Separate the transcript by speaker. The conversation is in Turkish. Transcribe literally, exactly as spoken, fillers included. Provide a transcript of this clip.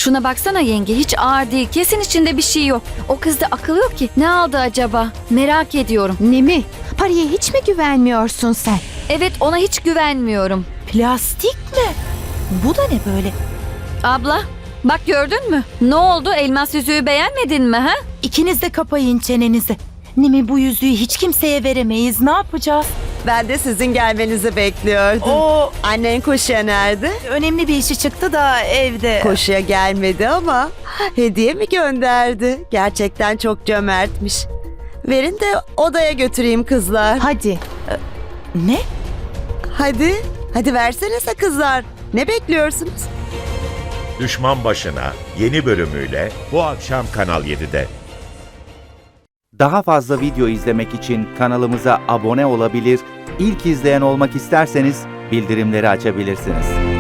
Speaker 1: Şuna baksana yenge, hiç ağır değil. Kesin içinde bir şey yok. O kızda akıl yok ki. Ne aldı acaba? Merak ediyorum.
Speaker 2: Nemi, Pari'ye hiç mi güvenmiyorsun sen?
Speaker 1: Evet, ona hiç güvenmiyorum.
Speaker 3: Plastik mi? Bu da ne böyle?
Speaker 1: Abla, bak gördün mü? Ne oldu? Elmas yüzüğü beğenmedin mi ha?
Speaker 3: İkiniz de kapayın çenenizi. Nimi, bu yüzüğü hiç kimseye veremeyiz. Ne yapacağız?
Speaker 4: Ben de sizin gelmenizi bekliyordum.
Speaker 3: O
Speaker 4: Annen koşuya nerede?
Speaker 3: önemli bir işi çıktı da evde.
Speaker 4: Koşuya gelmedi ama hediye mi gönderdi? Gerçekten çok cömertmiş. Verin de odaya götüreyim kızlar.
Speaker 3: Hadi. Ne?
Speaker 4: Hadi, hadi versenize kızlar. Ne bekliyorsunuz?
Speaker 5: Düşman Başına yeni bölümüyle bu akşam Kanal yedide.
Speaker 6: Daha fazla video izlemek için kanalımıza abone olabilir, ilk izleyen olmak isterseniz bildirimleri açabilirsiniz.